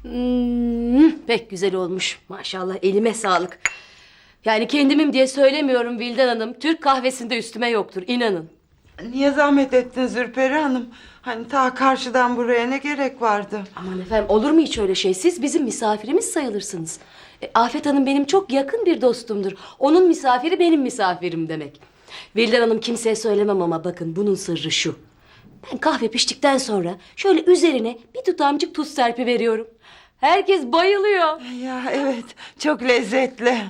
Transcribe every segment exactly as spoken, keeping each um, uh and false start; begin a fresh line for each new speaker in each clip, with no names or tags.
Hmm, pek güzel olmuş. Maşallah, elime sağlık. Yani kendimim diye söylemiyorum Vildan Hanım. Türk kahvesinde üstüme yoktur, inanın.
Niye zahmet ettin Zülperi Hanım? Hani ta karşıdan buraya ne gerek vardı?
Aman efendim, olur mu hiç öyle şey? Siz bizim misafirimiz sayılırsınız. E, Afet Hanım benim çok yakın bir dostumdur. Onun misafiri benim misafirim demek. Vildan Hanım, kimseye söylemem ama bakın bunun sırrı şu. Ben kahve piştikten sonra şöyle üzerine bir tutamcık tuz serpi veriyorum. Herkes bayılıyor.
Ya evet, çok lezzetli.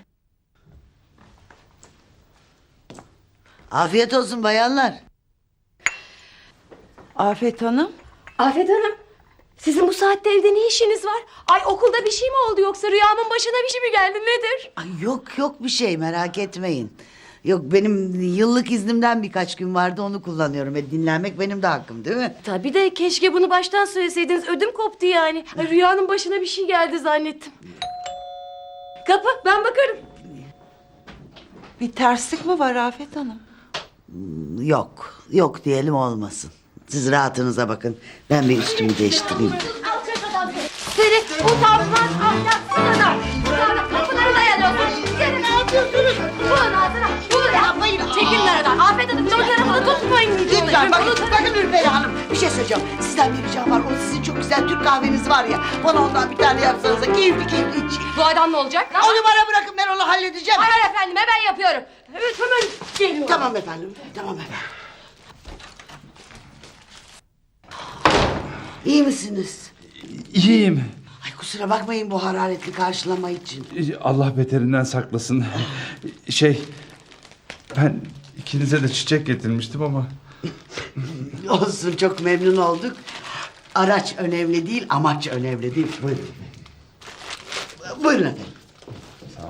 Afiyet olsun bayanlar.
Afet Hanım.
Afet Hanım, sizin bu saatte evde ne işiniz var? Ay, okulda bir şey mi oldu, yoksa rüyamın başına bir şey mi geldi, nedir?
Ay yok yok bir şey, merak etmeyin. Yok, benim yıllık iznimden birkaç gün vardı, onu kullanıyorum. E, dinlenmek benim de hakkım, değil mi?
Tabii de keşke bunu baştan söyleseydiniz, ödüm koptu yani. Ay, rüyanın başına bir şey geldi zannettim. Kapı, ben bakarım.
Bir terslik mi var Afet Hanım?
Yok yok diyelim, olmasın. Siz rahatınıza bakın. Ben bir üstümü değiştireyim.
Seni utanmaz, ahlaksız adam. Utanmaz, kapıları dayanıyorsun. Seni ne yapıyorsunuz? Bunun ağzına, bunu yapmayın. Çekilin aradan. Afet Hanım, çocukları bunu tutmayın.
Lütfen bakın, bakın Ürperi Hanım. Bir şey söyleyeceğim. Sizden bir ricam var. O sizin çok güzel Türk kahveniz var ya. Bana ondan bir tane yapsanız da keyifli keyifli içeyim.
Bu adam ne olacak?
Onu bana bırakın, ben onu halledeceğim.
Hayır efendim, hemen yapıyorum. Evet, hemen geliyorum.
Tamam efendim, tamam efendim. İyi misiniz?
İyiyim.
Ay kusura bakmayın bu hararetli karşılama için.
Allah beterinden saklasın. Şey, ben ikinize de çiçek getirmiştim ama...
Olsun, çok memnun olduk. Araç önemli değil, amaç önemli değil. Buyurun. Buyurun efendim.
Sağ ol.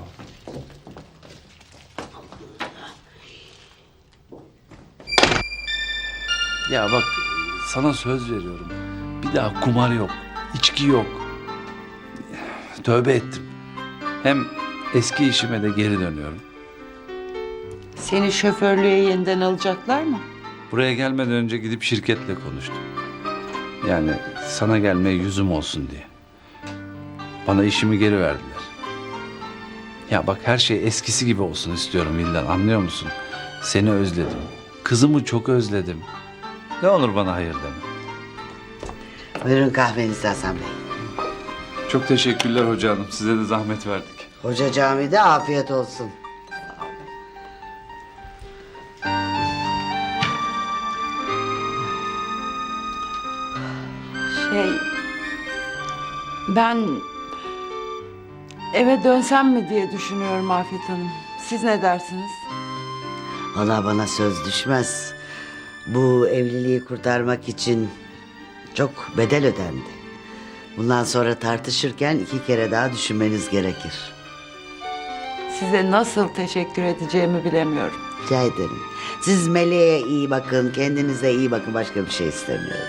Ya bak, sana söz veriyorum. Bir daha kumar yok, içki yok. Tövbe ettim. Hem eski işime de geri dönüyorum.
Seni şoförlüğe yeniden alacaklar mı?
Buraya gelmeden önce gidip şirketle konuştum. Yani sana gelmeye yüzüm olsun diye. Bana işimi geri verdiler. Ya bak, her şey eskisi gibi olsun istiyorum Vildan, anlıyor musun? Seni özledim. Kızımı çok özledim. Ne olur bana hayır deme.
Buyurun kahvenizi Hasan Bey.
Çok teşekkürler hoca hanım. Size de zahmet verdik.
Hoca camide afiyet olsun.
Şey... Ben... eve dönsem mi diye düşünüyorum Afet Hanım. Siz ne dersiniz?
Ona bana söz düşmez. Bu evliliği kurtarmak için çok bedel ödendi. Bundan sonra tartışırken iki kere daha düşünmeniz gerekir.
Size nasıl teşekkür edeceğimi bilemiyorum.
Rica ederim. Siz Meleğe iyi bakın, kendinize iyi bakın. Başka bir şey istemiyorum.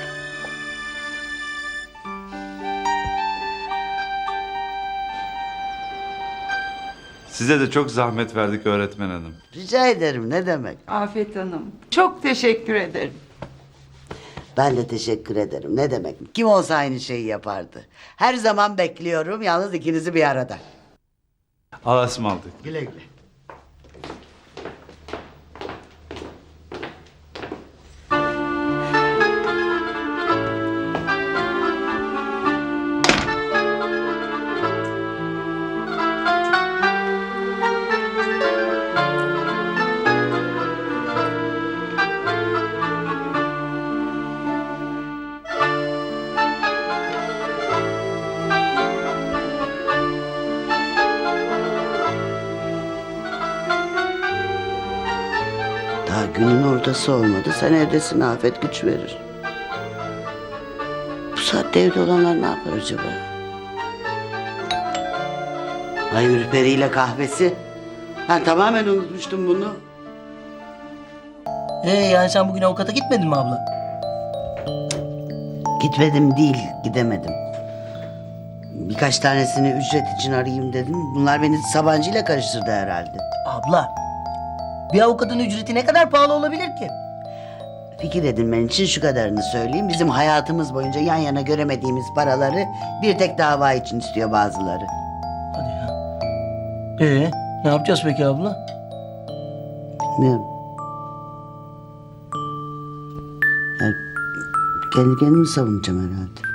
Size de çok zahmet verdik öğretmen hanım.
Rica ederim, ne demek.
Afet Hanım, çok teşekkür ederim.
Ben de teşekkür ederim. Ne demek? Kim olsa aynı şeyi yapardı. Her zaman bekliyorum, yalnız ikinizi bir arada.
Allah'a ısmarladık.
Güle güle. Daha günün ortası olmadı. Sen evdesin, afet güç verir. Bu saatte evde olanlar ne yapar acaba? Ay Ürperi ile kahvesi. Ben tamamen unutmuştum bunu.
Ee yani sen bugün avukata gitmedin mi abla?
Gitmedim değil, gidemedim. Birkaç tanesini ücret için arayayım dedim. Bunlar beni Sabancı ile karıştırdı herhalde.
Abla, bir avukatın ücreti ne kadar pahalı olabilir ki?
Fikir edinmen için şu kadarını söyleyeyim. Bizim hayatımız boyunca yan yana göremediğimiz paraları bir tek dava için istiyor bazıları.
Hadi ya. Ee, ne yapacağız peki abla?
Bilmiyorum. Yani kendi kendimi savunacağım herhalde.